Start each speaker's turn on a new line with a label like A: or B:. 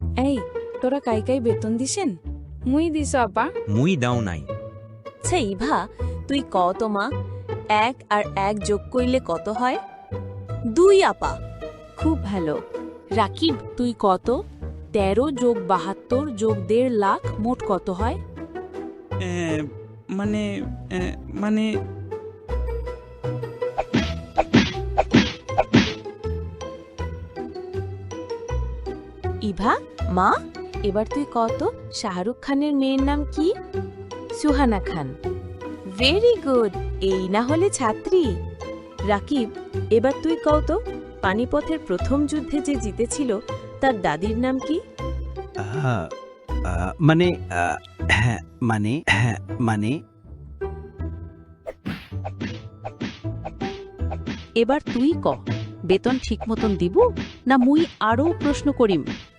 A: এই তোরা কাই বেতন দিছেন? মুই দিছ আপা।
B: মুই দাও নাই।
C: আচ্ছা ইভা, তুই কত মা? 1 আর 1 যোগ করলে কত হয়? 2 আপা। খুব ভালো। রাকিব, তুই কত? 13 যোগ 72 যোগ 1.5 লাখ মোট কত হয়?
D: মানে মানে
C: ইভা, মা, এবার তুই কত? শাহরুখ খানের মেয়ের নাম কি? সুহানা খান। ভেরি গুড, এই না হলে ছাত্রী। রাকিব, এবার তুই কত? পানিপথের প্রথম যুদ্ধে যে জিতেছিল তার দাদির নাম কি?
E: মানে হ্যাঁ মানে
C: এবার তুই ক, বেতন ঠিক মতন দিব না মুই আরও প্রশ্ন করিম?